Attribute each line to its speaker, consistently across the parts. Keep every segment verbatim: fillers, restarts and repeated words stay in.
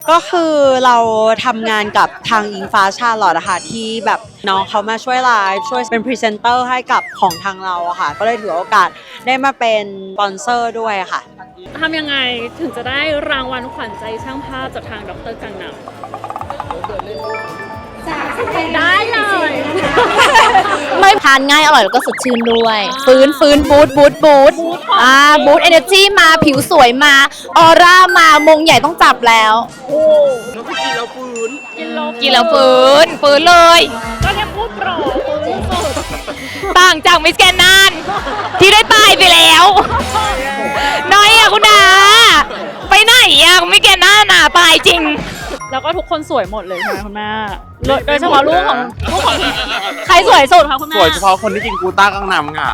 Speaker 1: ก็คือเราทำงานกับทางอิงฟ้าชาลอตนะคะที่แบบน้องเขามาช่วยไลฟ์ช่วยเป็นพรีเซนเตอร์ให้กับของทางเราอะค่ะก็เลยถือโอกาสได้มาเป็นสปอนเซอร์ด้วยค่ะ
Speaker 2: ทำยังไงถึงจะได้รางวัลขวัญใจช่างภาพจากทางดร.กังนำได้เลย
Speaker 3: ไม่ทานง่ายอร่อยแล้วก็สดชื่นด้วยฟื้นฟื้นบูทบูทบูทอ่าบูทเอเนอร์จีมาผิวสวยมาออร่ามามงใหญ่ต้องจับแล้ว
Speaker 2: โอ้
Speaker 4: แล้วก็กินแล้วฟื้น
Speaker 2: กินแล้ว
Speaker 3: กินแล้วฟื้นฟื้นเลย
Speaker 2: ก็แค่พูดโปรฟื้นสุด
Speaker 3: ต่างจากมิสแกนนานที่ได้ตายไปแล้วน้อยอะคุณดาไปไหนอะมิสแกนนานอะตายจริง
Speaker 2: แล้วก็ทุกคนสวยหมดเลยใช่ไหมคุณแม่โดยเฉพาะลูกของลูกของใครสวยสุดคะคุณแม่
Speaker 4: สวยเฉพาะคนที่กินกูต้ากังนำค่ะ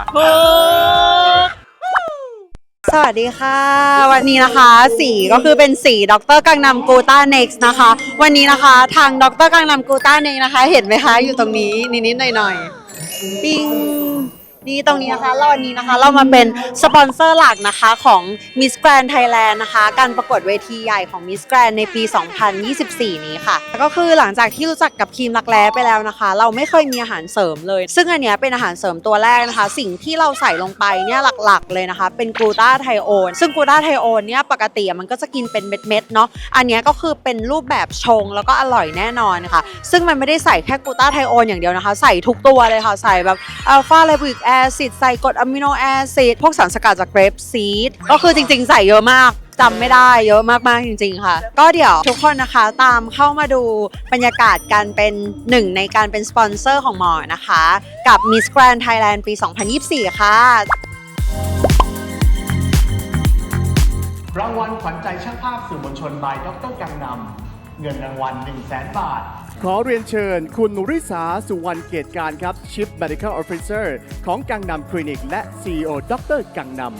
Speaker 1: สวัสดีค่ะวันนี้นะคะสีก็คือเป็นสีดร.กังนำกูต้าเน็กซ์นะคะวันนี้นะคะทางดร.กังนำกูต้าเน็กซ์นะคะเห็นไหมคะอยู่ตรงนี้นิดๆหน่อยๆปิ้งนี่ตรงนี้นะคะเราวันนี้นะคะเรามาเป็นสปอนเซอร์หลักนะคะของ Miss Grand Thailand นะคะการประกวดเวทีใหญ่ของ Miss Grand ในปี สองพันยี่สิบสี่ นี้ค่ะก็คือหลังจากที่รู้จักกับครีมรักแร้ไปแล้วนะคะเราไม่เคยมีอาหารเสริมเลยซึ่งอันเนี้ยเป็นอาหารเสริมตัวแรกนะคะสิ่งที่เราใส่ลงไปเนี่ยหลักๆเลยนะคะเป็นกลูตาไทโอนซึ่งกลูตาไทโอนเนี่ยปกติมันก็จะกินเป็นเม็ดๆเนาะอันเนี้ยก็คือเป็นรูปแบบชงแล้วก็อร่อยแน่นอนค่ะซึ่งมันไม่ได้ใส่แค่กลูตาไทโอนอย่างเดียวนะคะใส่ทุกตัวเลยค่ะใส่แบบอัลฟาไลบูริกแอซิดใส่กรดอะมิโนแอซิดพวกสารสกัดจากเกรปซีดก็คือจริงๆใส่เยอะมากจำไม่ได้เยอะมากๆจริงๆค่ะก็เดี๋ยวทุกคนนะคะตามเข้ามาดูบรรยากาศการเป็นหนึ่งในการเป็นสปอนเซอร์ของหมอนะคะกับ Miss Grand Thailand ปี สองพันยี่สิบสี่ ค่ะ
Speaker 5: รางวัลขวัญใจช่างภาพสื่อมวลชน by ดร.กังนำเงินรางวัล หนึ่งแสน บาท
Speaker 6: ขอเรียนเชิญคุณนุริสาสุวรรณเกตการครับ Chief Medical Officer ของกังนำคลินิกและ ซี อี โอ ดร.กังนำ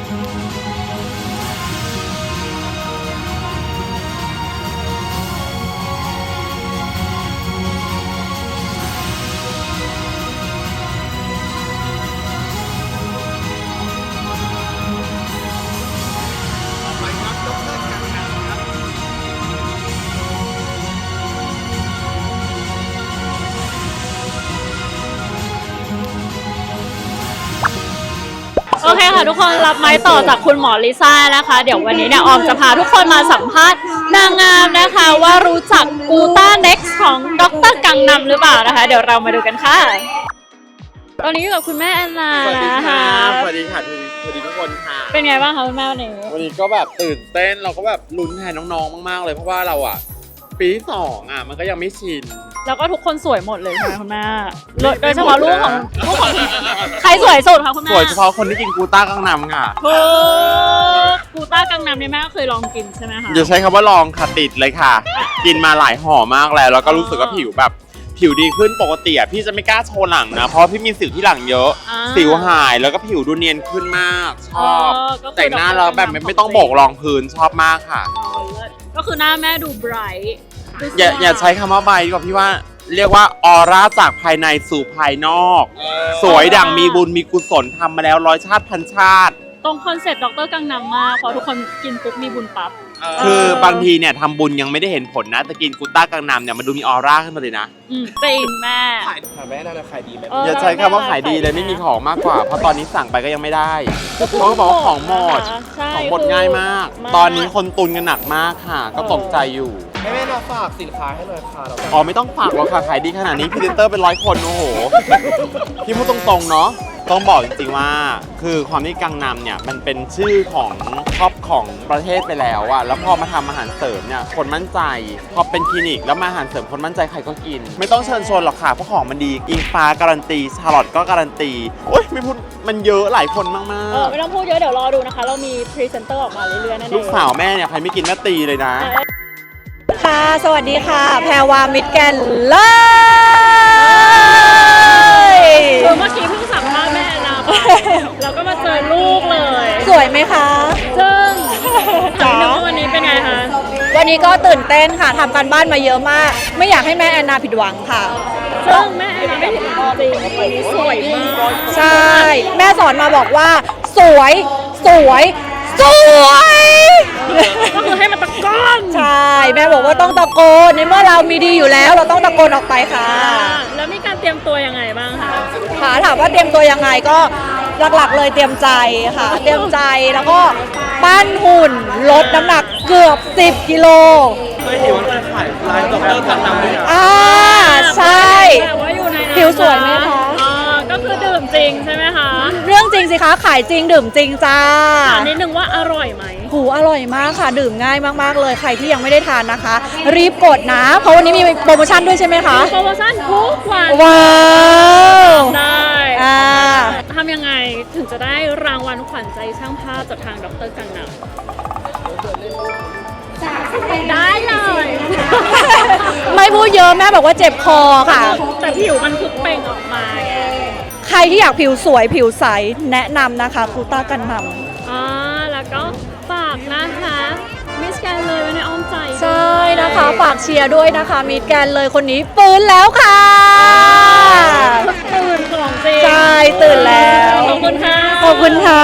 Speaker 2: โอเคค่ะทุกคนรับไม้ต่อจากคุณหมอลิซ่านะคะเดี๋ยววันนี้เนี่ยออมจะพาทุกคนมาสัมภาษณ์นางงามนะคะว่ารู้จักกูต้าเน็กซ์ของดร.กังนำหรือเปล่านะคะเดี๋ยวเรามาดูกันค่ะตอนนี้อยู่กับคุณแม่แอนนา
Speaker 4: สวัสดี
Speaker 2: นะ
Speaker 4: ค่ะ
Speaker 2: คะ
Speaker 4: สวัสดีค่ะสวัสดีทุกคนค่ะ
Speaker 2: เป็นไงบ้างคะคุณแม่วันนี้
Speaker 4: วันนี้ก็แบบตื่นเต้นเราก็แบบลุ้นแทนน้องๆมากๆเลยเพราะว่าเราอ่ะปีที่สองอ่ะมันก็ยังไม่ชิน
Speaker 2: แล้วก็ทุกคนสวยหมดเลยใช่ไหมคุณแม่โดยเฉพาะลูกของลูกของใครสวยสุดคะคุณแม่
Speaker 4: สวยเฉพาะคนที่กินกูต้ากังนำค่ะ
Speaker 2: กูต้ากังนำนี่แม่ก็เคยลองกินใช่ไหมคะ
Speaker 4: อย่าใช้คำว่าลองค่ะติดเลยค่ะกินมาหลายห่อมากแล้วแล้วก็รู้สึกว่าผิวแบบผิวดีขึ้นปกติอ่ะพี่จะไม่กล้าโชว์หลังนะเพราะพี่มีสิวที่หลังเยอะสิวหายแล้วก็ผิวดูเนียนขึ้นมากชอบแต่งหน้าแล้วแบบไม่ต้องโบกรองพื้นชอบมากค่ะ
Speaker 2: ก็คือหน้าแม่ดูไบรท์
Speaker 4: อย่าอย่าใช้คำว่าใบดีกว่าพี่ว่าเรียกว่าออร่าจากภายในสู่ภายนอกสวยดังมีบุญมีกุศลทำมาแล้วร้อยชาติพันชาติ
Speaker 2: ตรงคอนเซ็ปต์ดร.กังนำมากเพราะทุกคนกินปุ๊บมีบุญปั๊บ
Speaker 4: คือบางทีเนี่ยทำบุญยังไม่ได้เห็นผลนะแต่กินกูต้ากังนำเนี่ยมันดูมีออร่าขึ้นมาเลยนะ
Speaker 2: จริงแม่
Speaker 4: ขายแม่น่าจะขายดีไหมอย่าใช้คำว่าขายดีเลยไม่มีของมากกว่าเพราะตอนนี้สั่งไปก็ยังไม่ได้เขาบอกว่าของหมดของหมดง่ายมากตอนนี้คนตุนกันหนักมากค่ะก็ตกใจอยู่
Speaker 5: ให้แม่เราฝากสินค้าให้หน่อยค่ะ
Speaker 4: อ๋อไม่ต้องฝากหรอกค่ะขายดีขนาดนี้พรีเซนเตอร์เป็นร้อยคนโอ้โหพี่พูดตรงๆเนาะต้องบอกจริงๆว่าคือความที่กังนำเนี่ยมันเป็นชื่อของท็อปของประเทศไปแล้วอะแล้วพอมาทำอาหารเสริมเนี่ยคนมั่นใจพอเป็นคลินิกแล้วมาอาหารเสริมคนมั่นใจใครก็กินไม่ต้องเชิญชวนหรอกค่ะเพราะของมันดีอิงฟ้าการันตีชาร์ลอตก็การันตีโอ๊ยไม่พูดมันเยอะหลายคนมากๆเอ
Speaker 2: อไม่ต้องพูดเยอะเดี๋ยวรอดูนะคะเรามีพรีเซนเตอร์ออกมาเรื่อยๆนั่นเอง
Speaker 4: ลูกสาวแม่เนี่ยใครไม่กินแม่ตีเลยนะ
Speaker 1: ค่ะสวัสดีค่ะแพรวามิตรแกนเลย
Speaker 2: เมื่อกี้เพิ่งสัมภาษณ์แม่นะเราก็มาเจอลูกเลย
Speaker 1: สวยไหมคะ
Speaker 2: ซึ่งถามว่าวันนี้เป็นไงคะ
Speaker 1: วันนี้ก็ตื่นเต้นค่ะทำการบ้านมาเยอะมากไม่อยากให้แม่แอนนาผิดหวังค่ะ
Speaker 2: ซึ่งแม่แอนนาไม่ผิดหวังจริงวันนี้สวยมาก
Speaker 1: ใช่แม่สอนมาบอกว่าสวยสวยสวย
Speaker 2: ก็คือให้มันตะก้อน
Speaker 1: ใช่แม่บอกว่าต้องตะโกนในเมื่อเรามีดีอยู่แล้ว เราต้องตะโกนออกไปค่ะ
Speaker 2: แล้วมีการเตรียมตัวยังไงบ้างคะ
Speaker 1: ค่ะถามว่าเตรียมตัวยังไงก็หลักๆเลยเตรียมใจค่ะ เตรียมใจแล้วก็ปั้นหุ่นลดน้ำหนักเกือบสิบกิโล
Speaker 4: ไม่เห็นว่ามันขายร้านด็อกเตอร์กันนำด้วยนะ
Speaker 1: อ่าใช่
Speaker 2: แต่ว่าอยู่ในนั้น
Speaker 1: ผิวสวยไหมคะ
Speaker 2: อ๋อก็คือดื่มจริงใช่ไหมคะ
Speaker 1: เรื่องจริงสิคะขายจริงดื่มจริงจ้า
Speaker 2: ถามนิดนึงว่าอร่อยไหม
Speaker 1: หูอร่อยมากค่ะ ดื่มง่ายมากๆเลยใครที่ยังไม่ได้ทานนะคะ รีบกดนะ เพราะวันนี้มีโปรโมชั่นด้วยใช่ไหมคะ
Speaker 2: โปรโมชั่นทุกวัน
Speaker 1: ว้าว
Speaker 2: ได้
Speaker 1: อ่า
Speaker 2: ทำยังไงถึงจะได้รางวัลขวัญใจช่างภาพจากทางดรกังนำได้เลย
Speaker 1: ไม่พูดเยอะแม่บอกว่าเจ็บคอค่ะ
Speaker 2: แต่ผิวมันคือเปล่งออกมาไง
Speaker 1: ใครที่อยากผิวสวยผิวใสแนะนำนะคะกูต้ากันนำ
Speaker 2: อ่าแล้วก็ฝากนะคะมิสแกนเลยไว้ในอ้อมใจ
Speaker 1: ใช่นะคะ ฝากเชียร์ด้วยนะคะมิดแกนเลยคนนี้ฟื้นแล้วค่ะ
Speaker 2: ตื่นของจริง
Speaker 1: ใช่ตื่นแล้ว
Speaker 2: ขอบคุณค่ะ
Speaker 1: ขอบคุณค่ะ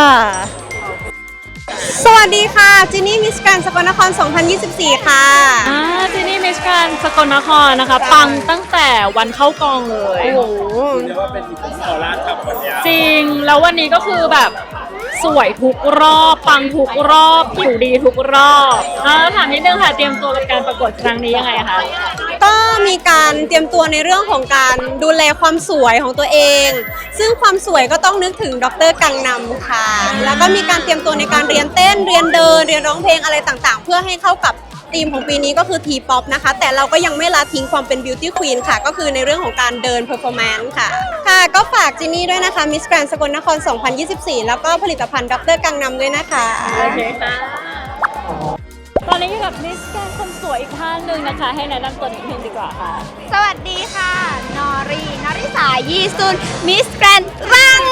Speaker 7: สวัสดีค่ะ จินนี่มิสแกรนด์สกลนคร สองพันยี่สิบสี่ ค่ะ
Speaker 2: อ่าที่นี่มิสแกรนด์สกลนครนะคะ ปังตั้งแต่วันเข้ากองเลย
Speaker 7: โอ้โห
Speaker 4: เรียกว่าเป็นอีกของขอร้านกับวันนี้
Speaker 2: จริง แล้ววันนี้ก็คือแบบสวยทุกรอบ ปังทุกรอบ ผิวดีทุกรอบอ่าถามนิดนึงค่ะ เตรียมตัวกับการประกวดครั้งนี้ยังไงคะ
Speaker 7: ก็มีการเตรียมตัวในเรื่องของการดูแลความสวยของตัวเอง ซึ่งความสวยก็ต้องนึกถึงดรกังนำค่ะ แล้วก็มีการเตรียมตัวในการเรียนเต้น เรียนเดิน เรียนร้องเพลงอะไรต่างๆ เพื่อให้เข้ากับธีมของปีนี้ก็คือ T-pop นะคะ แต่เราก็ยังไม่ละทิ้งความเป็น beauty queen ค่ะ ก็คือในเรื่องของการเดิน performance ค่ะ ค่ะ ก็ฝากจินนี่ด้วยนะคะ Miss Grand สกลนคร สองพันยี่สิบสี่ แล้วก็ผลิตภัณฑ์ดรกังนำด้วยนะคะ
Speaker 2: โอเคค่ะ ตอนนี้อยู่กับมิสแกรนด์คนสวยอีกท่านหนึ่งนะคะ ให้แนะนำตัวนิดนึงดีกว่าค่ะ
Speaker 3: สวัสดีค่ะ นอรี นริสายีซุน มิสแกรนด์รัง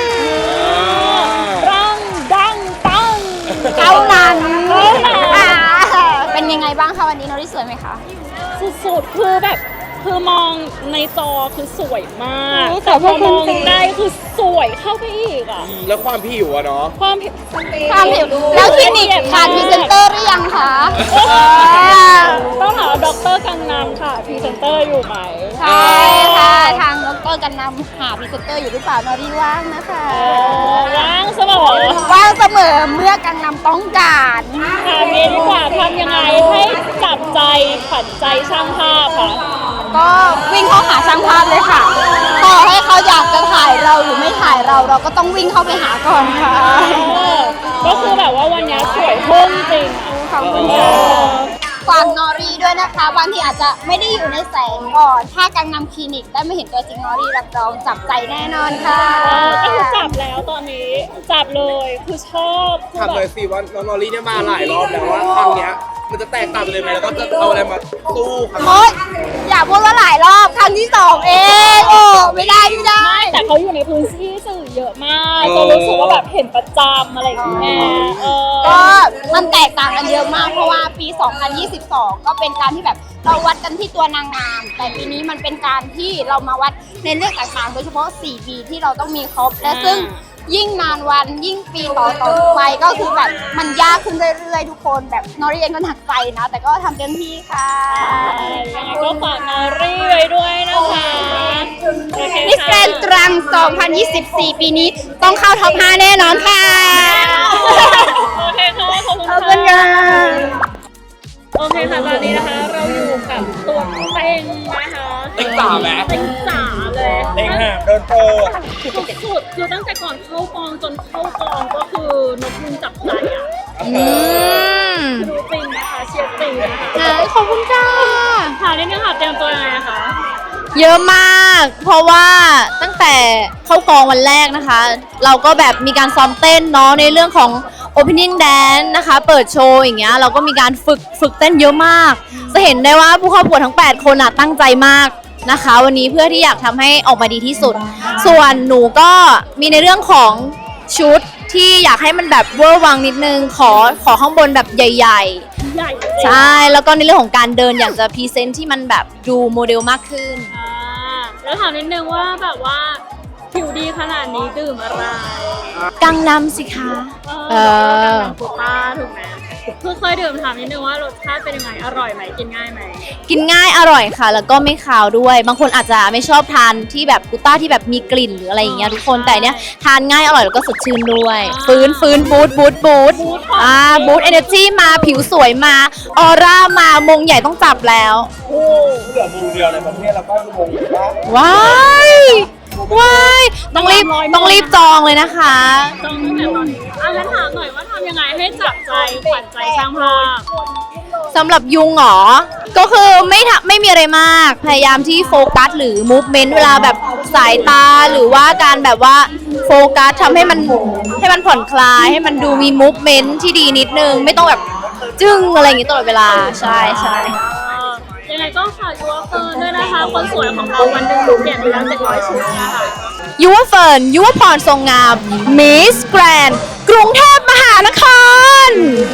Speaker 2: รังดังปัง
Speaker 3: เท่านั้น
Speaker 2: เท่านั้น
Speaker 3: อ่าเป็นยังไงบ้างคะวันนี้นอรีสวยไหมคะ
Speaker 2: สุดๆ คือแบบ คือมองในจอคือสวยมาก
Speaker 3: โอ้
Speaker 2: แต่พอมอง
Speaker 3: ขอบคุณจริง
Speaker 2: ได้คือสวยเข้าไปอีกอ่ะ
Speaker 4: แล้วความผิวอะเนาะ
Speaker 2: ความผิว
Speaker 3: ความผิวแล้วคลินิกขาดพรีเซนเตอร์หรือยังคะ
Speaker 2: ต้องถามดรกังนำค่ะพรีเซนเตอร์อยู่ไหม
Speaker 3: ใช่ค่ะ ทางดรกันนำหาพรีเซนเตอร์อยู่หรือเปล่านอรีว่างนะคะ
Speaker 2: เออว่างเสมอ
Speaker 3: ว่างเสมอเมื่อกังนำต้องการ
Speaker 2: ถามนี้ดีกว่าทำยังไงให้จับใจขวัญใจช่างภาพค่ะ
Speaker 3: ก็วิ่งเข้าหาช่างภาพเลยค่ะต่อให้เขาอยากจะถ่ายเราหรือไม่ถ่ายเราเราก็ต้องวิ่งเข้าไปหาก่อนค่ะ
Speaker 2: เออก็คือแบบว่าวันนี้สวยพุ่งจริงอะ
Speaker 3: ขอบคุณค่ะฝากนอรีด้วยนะคะบางทีอาจจะไม่ได้อยู่ในแสงก่อน ถ้ากังนำคลินิกได้ไม่เห็นตัวจริงนอรีรับรองจับใจแน่นอนค่ะ
Speaker 2: เออก็คือจับแล้วตอนนี้จับเลยคือชอบคือ
Speaker 8: ถาม
Speaker 2: แบ
Speaker 8: เลย
Speaker 2: บ
Speaker 8: สิว่าน้องนอรี่เนี่ยมาหลายรอบแล้วว่าครั้งเนี้ยมันจะแตกต่างไปเลยไหมแล้วก็จะเอาอะไรมาสู้ครับ
Speaker 3: โอ๊ยอย่าพูดว่าหลายรอบครั้งที่สองเองโอ้ไม่ได้ไม่ได้
Speaker 2: ไม่แต่เขาอยู่ในพื้นที่สื่อเยอะมากจนรู้สึกว่าแบบเห็นประจำอะไรอย่างเงี้ยเออ
Speaker 3: ก็มันแตกต่างกันเยอะมากเพราะว่าปี สองพันยี่สิบสอง ก็เป็นการที่แบบเราวัดกันที่ตัวนางงาม แต่ปีนี้มันเป็นการที่เรามาวัดในเรื่องต่างๆ โดยเฉพาะ สี่ ปีที่เราต้องมีครบ และซึ่งยิ่งนานวันยิ่งปีต่อต่อไปก็คือแบบมันยากขึ้นเรื่อยๆ ทุกคนแบบนอรีเองก็หนักใจนะ แต่ก็ทำเต็มที่ค่ะ
Speaker 2: ยังไงก็ฝากนารีไว้ด้วยนะคะโอเค
Speaker 3: มิสแกร
Speaker 2: ค่ะ
Speaker 3: นด์ตรัง สองพันยี่สิบสี่ ปีนี้ต้องเข้าท็อป ห้า แน่นอนค่ะ
Speaker 2: โอเคค่ะขอบคุณ
Speaker 3: ขอบคุณค่ะ
Speaker 2: โอเคค่ะตอนนี้นะคะเราอยู่กับตัวเต็งนะคะ
Speaker 8: เต็งจ๋าไหม
Speaker 2: เต็งจ๋าเลย
Speaker 8: เต็งห่ามโดนโปร
Speaker 2: สุดๆคือตั้งแต่ก่อนเข้ากองจนเข้ากองก็คือนกยุงจับใจอ่ะ
Speaker 3: อืม
Speaker 2: รู้จริงนะคะเชียร์จริงนะคะ
Speaker 3: ขอบคุณค่ะ
Speaker 2: ถามนิดนึงค่ะเตรียมตัวยังไงอะคะ
Speaker 3: เยอะมาก เพราะว่าตั้งแต่เข้ากองวันแรกนะคะ เราก็แบบมีการซ้อมเต้นเนาะในเรื่องของ opening dance นะคะ เปิดโชว์อย่างเงี้ยเราก็มีการฝึกฝึกเต้นเยอะมาก จะเห็นได้ว่าผู้เข้าประกวดทั้ง แปด คนอะตั้งใจมากนะคะ วันนี้เพื่อที่อยากทำให้ออกมาดีที่สุด ส่วนหนูก็มีในเรื่องของชุดที่อยากให้มันแบบเวอร์วังนิดนึงขอขอข้างบนแบบใหญ่ๆ
Speaker 2: ใหญ่จริง
Speaker 3: ใช่ แล้วก็ในเรื่องของการเดินอยากจะพรีเซนต์ที่มันแบบดูโมเดลมากขึ้น
Speaker 2: อ่าแล้วถามนิดนึงว่าแบบว่าผิวดีขนาดนี้ดื่มอะไร
Speaker 3: กังนำสิคะ
Speaker 2: เอ
Speaker 3: เอ
Speaker 2: อ
Speaker 3: อ
Speaker 2: กังนำโกต้าถูกไหมคือเคยดื่มถามนิดนึงว่ารสชาติเป็นยังไงอร่อยไหมกินง่ายไหม
Speaker 3: กินง่ายอร่อยค่ะ แล้วก็ไม่คาวด้วย บางคนอาจจะไม่ชอบทานที่แบบกูต้าที่แบบมีกลิ่นหรืออะไรอย่างเงี้ยทุกคนแต่เนี้ยทานง่ายอร่อยแล้วก็สดชื่นด้วย ฟื้นฟื้นบูทบูทบูทอ่าบูทเอเนอร์จีมาผิวสวยมาออร่ามามงใหญ่ต้องจับแล้ว
Speaker 8: เหลือมูเดียวในประเทศแล้วก็มงอยู่ว่า
Speaker 3: ว้ายว้ายต้องรีบต้องรีบจองเลยนะคะ
Speaker 2: จองตั้งแต่ตอนนี้อ่ะงั้นถามหน่อยว่าทำยังไงให้จับใจขวัญใจช่างภาพ
Speaker 3: สำหรับยุงเหรอ ก็คือไม่ทำไม่มีอะไรมาก พยายามที่โฟกัสหรือมูฟเมนต์เวลาแบบสายตาหรือว่าการแบบว่าโฟกัสทำให้มันให้มันผ่อนคลาย ให้มันดูมีมูฟเมนต์ที่ดีนิดนึง ไม่ต้องแบบจึ้งอะไรอย่างงี้ตลอดเวลา ใช่ใช่
Speaker 2: ยังไงก็ฝากยูวเฟิร์นด้วยนะคะ คนสวยของเราวันหนึ่งเปลี่ยนไปแล้วเจ็ดร้อยชุดนะคะ
Speaker 3: ยุวเฟิร์นยุวพรทรงงามมิสแกรนด์กรุงเทพมหานคร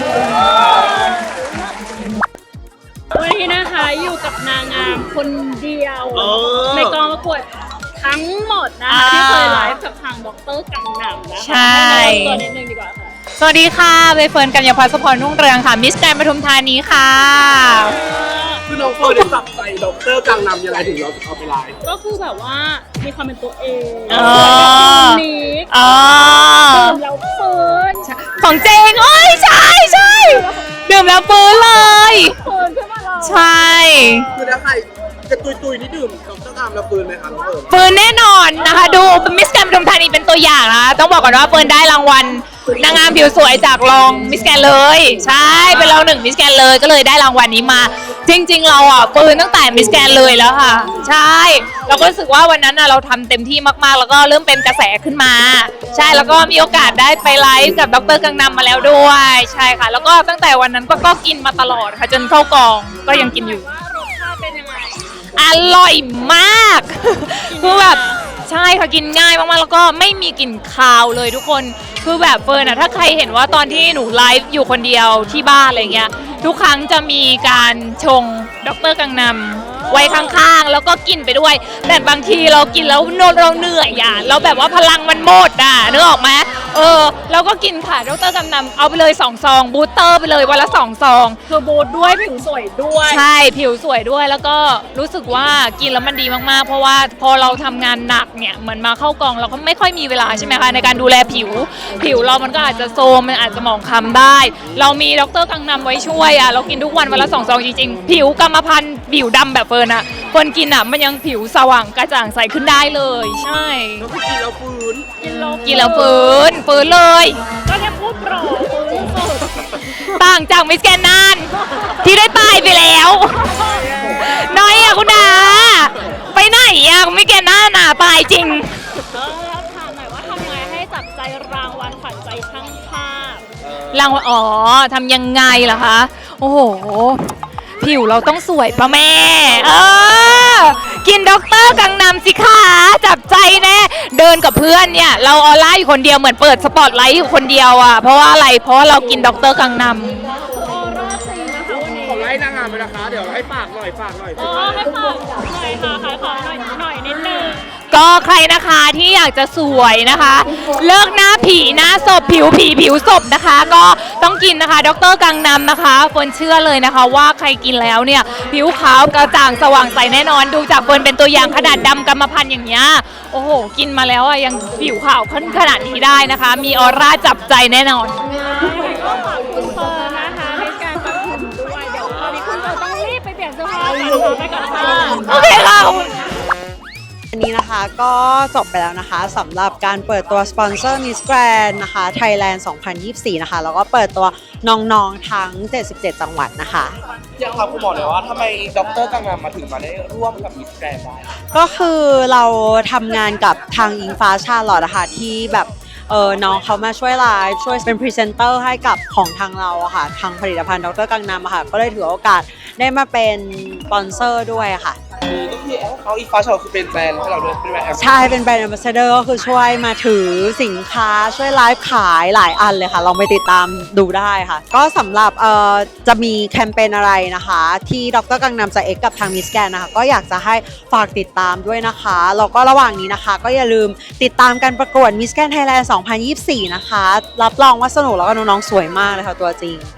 Speaker 2: วันนี้นะคะอยู่กับนางงามคนเดียวในกองประกวดทั้งหมดนะคะที่เคยไลฟ์กับทางดรกังนำนะคะ
Speaker 9: ใช่
Speaker 2: ให้แนะนำตัวนิดนึงดีกว่าค่ะ
Speaker 9: สวัสดีค่ะใบเฟิร์นกัญญาพัฒน์สุพรรุ่งเรืองค่ะ มิสแกรนด์ปทุมธานีค่ะ
Speaker 8: คือน้องเฟิร์นได้จับใจด็อกเตอร์กังนำยังไงถึงเราเอาไปไลฟ์
Speaker 2: ก็คือแบบว่ามีความเป็นตัวเอง
Speaker 9: อ๋อ
Speaker 2: สวยแบบนี้
Speaker 9: อ๋อ
Speaker 2: ดื่มแล้วฟื้น
Speaker 9: ของเจงโอ้ยใช่ใช่ดื่มแล้วฟื้นเลย
Speaker 2: ฟื้นขึ้นมาเลย
Speaker 9: ใช่
Speaker 8: คือถ้าใครจะตุยตุยๆนี่ดื่มด็อกเตอร์กังนำแล้วปืนไหมคะน้องเฟิร์น
Speaker 9: ฟื้นแน่นอนนะคะ ดูมิสแกรนด์ปทุมธานีเป็นตัวอย่างนะคะต้องบอกก่อนว่าเฟิร์นได้รางวัลนางงามผิวสวยจากรองมิสแกรนด์เลย ใช่เป็นรองหนึ่งมิสแกรนด์เลยก็เลยได้รางวัลนี้มา จริงๆเราอ่ะเฟิร์นตั้งแต่มิสแกรนด์เลยแล้วค่ะ ใช่เราก็รู้สึกว่าวันนั้นน่ะเราทำเต็มที่มากๆ แล้วก็เริ่มเป็นกระแสขึ้นมา ใช่แล้วก็มีโอกาสได้ไปไลฟ์กับดรกังนำมาแล้วด้วยใช่ค่ะ แล้วก็ตั้งแต่วันนั้นก็ก็กินมาตลอดค่ะจนเข้ากองก็ยังกินอยู่
Speaker 2: ว่ารสชาติเป็นยังไง
Speaker 9: อร่อยมากคือแบบใช่ค่ะกินง่ายมากๆแล้วก็ไม่มีกลิ่นคาวเลยทุกคนคือแบบเฟิร์นอะถ้าใครเห็นว่าตอนที่หนูไลฟ์อยู่คนเดียวที่บ้านอะไรเงี้ยทุกครั้งจะมีการชงดรกังนำไว้ข้างๆแล้วก็กินไปด้วย แต่บางทีเรากินแล้วเราเหนื่อยอ่ะเราแบบว่าพลังมันหมดอ่ะนึกออกไหมเออเราก็กินค่ะดรกังนำเอาไปเลยสองซองบูสเตอร์ไปเลยวันละสองซอง
Speaker 2: คือบูทด้วยผิวสวยด้วย
Speaker 9: ใช่ผิวสวยด้วยแล้วก็รู้สึกว่ากินแล้วมันดีมากๆ เพราะว่าพอเราทำงานหนักเนี่ยเหมือนมาเข้ากองเราก็ไม่ค่อยมีเวลาใช่ไหมคะในการดูแลผิว ผิวเรามันก็อาจจะโทรมมันอาจจะหมองคล้ำได้ เรามีดรกังนำไว้ช่วยอ่ะเรากินทุกวันวันละสองซองจริงๆผิวกรรมพันธุ์ผิวดำแบบเฟิร์นอ่ะคนกินอ่ะมันยังผิวสว่างกระจ่างใสขึ้นได้เลยใช่
Speaker 8: ก็คือกินแล้วฟื้น
Speaker 2: กินแล้ว
Speaker 9: กินแล้วฟื้นฟื้นเลย
Speaker 2: ก็แค่พูดโปรฟื้นสด
Speaker 9: ต่างจากมิสแกรนด์นานที่ได้ตายไปแล้วน้อยอ่ะคุณดาไปไหนอ่ะมิสแกรนด์หน้าหนาตายจริง
Speaker 2: เออแล้วถามหน่อยว่าทำไงให้จับใจรางวัลขวัญใจช่างภาพ
Speaker 9: รางวัลอ๋อทำยังไงล่ะคะ โอ้โห ผิวเราต้องสวยปะแม่ เออ กินด็อกเตอร์กังนำสิคะจับใจแน่ เดินกับเพื่อนเนี่ย เราออร่าอยู่คนเดียวเหมือนเปิดสปอตไลท์อยู่คนเดียวอ่ะ เพราะว่าอะไร เพราะว่าเรากินด็อกเตอร์กังนำ
Speaker 2: ออร่าจริงนะคะวันนี้
Speaker 8: ขอไล่นางงามไปนะคะ เดี๋ยวให้ฝากหน่อยฝากหน่อย
Speaker 2: เออให้ฝากหน่อยค่ะขายของหน่อยหน่อยนิดนึง
Speaker 9: ก็ใครนะคะที่อยากจะสวยนะคะ เลิกหน้าผีหน้าศพผิวผีผิวศพนะคะ ก็ต้องกินนะคะดรกังนำนะคะเฟิร์นเชื่อเลยนะคะว่าใครกินแล้วเนี่ยผิวขาวกระจ่างสว่างใสแน่นอนดูจากเฟิร์นเป็นตัวอย่างขนาดดำกรรมพันธุ์อย่างเงี้ยโอ้โหกินมาแล้วอ่ะยังผิวขาวขึ้นขนาดนี้ได้นะคะ มีออร่าจับใจแน่นอน
Speaker 2: ก็ฝากคุณเฟิร์นนะคะในการปทุมด้วยเดี๋ยวตอนนี้คุณเฟิร์นต้องรีบไปเปลี่ยนเสื้อผ้าก่อนค่ะไปก่อนค่ะ
Speaker 9: โอเคค่ะ
Speaker 1: อันนี้นะคะก็จบไปแล้วนะคะสำหรับการเปิดตัวสปอนเซอร์ Miss Grand นะคะ Thailand สองพันยี่สิบสี่ นะคะแล้วก็เปิดตัวน้องๆทั้งเจ็ดสิบเจ็ดจังหวัดนะคะ
Speaker 8: อยากถามคุณหมอหน่อยว่าทำไมด็อกเตอร์กังนำมาถึงมาได้ร่วมกับมิสแกรนด์ได้
Speaker 1: ก็คือเราทำงานกับทางอิงฟ้าชาลอตนะคะที่แบบเออน้องเขามาช่วยไลฟ์ช่วยเป็นพรีเซนเตอร์ให้กับของทางเราอะค่ะทางผลิตภัณฑ์ดรกังนำอะค่ะก็เลยถือโอกาสได้มาเป็นสปอนเซอร์ด้วยค่ะ
Speaker 8: ก็คือเขาอีฟ้าชาวคือเป็นแบรนด์ให้เราด้วยเป็นแบรนด์
Speaker 1: ใช่เป็นแบรนด์ Ambassador ก็คือช่วยมาถือสินค้าช่วยไลฟ์ขายหลายอันเลยค่ะลองไปติดตามดูได้ค่ะ ก็สำหรับเอ่อจะมีแคมเปญอะไรนะคะ ที่ดรกังนำจะเอ็กกับทางมิสแกนนะคะก็อยากจะให้ฝากติดตามด้วยนะคะแล้วก็ระหว่างนี้นะคะ ก็อย่าลืมติดตามการประกวดมิสแกนไทยแลนด์สองพันยี่สิบสี่นะคะรับรองว่าสนุกแล้วก็น้องๆสวยมากเลยค่ะตัวจริง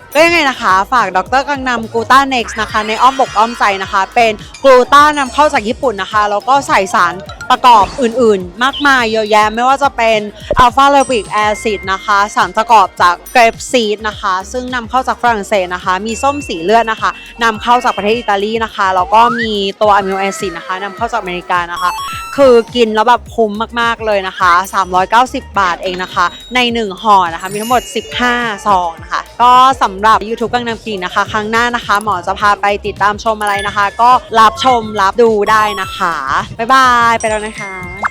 Speaker 1: ก็ยังไงนะคะฝากดรกังนำกูต้าเน็กซ์นะคะในอ้อมอกอ้อมใจนะคะ เป็นกลูต้านำเข้าจากญี่ปุ่นนะคะแล้วก็ใส่สารประกอบอื่นๆ มากมายเยอะแยะไม่ว่าจะเป็นอัลฟาเลวิกแอซิดนะคะสารประกอบจากเกรปซีดนะคะซึ่งนำเข้าจากฝรั่งเศสนะคะมีส้มสีเลือดนะคะนำเข้าจากประเทศอิตาลีนะคะแล้วก็มีตัวอะมิโนแอซิดนะคะนำเข้าจากอเมริกานะคะคือกินแล้วแบบคุ้มมากๆเลยนะคะสามร้อยเก้าสิบบาทเองนะคะในหนึ่งห่อนะคะมีทั้งหมดสิบห้าซองนะคะก็สำหรับ YouTube กังนำคลินิกนะคะครั้งหน้านะคะหมอจะพาไปติดตามชมอะไรนะคะ ก็รับชมรับดูได้นะคะบ๊ายบายไปแล้วนะคะ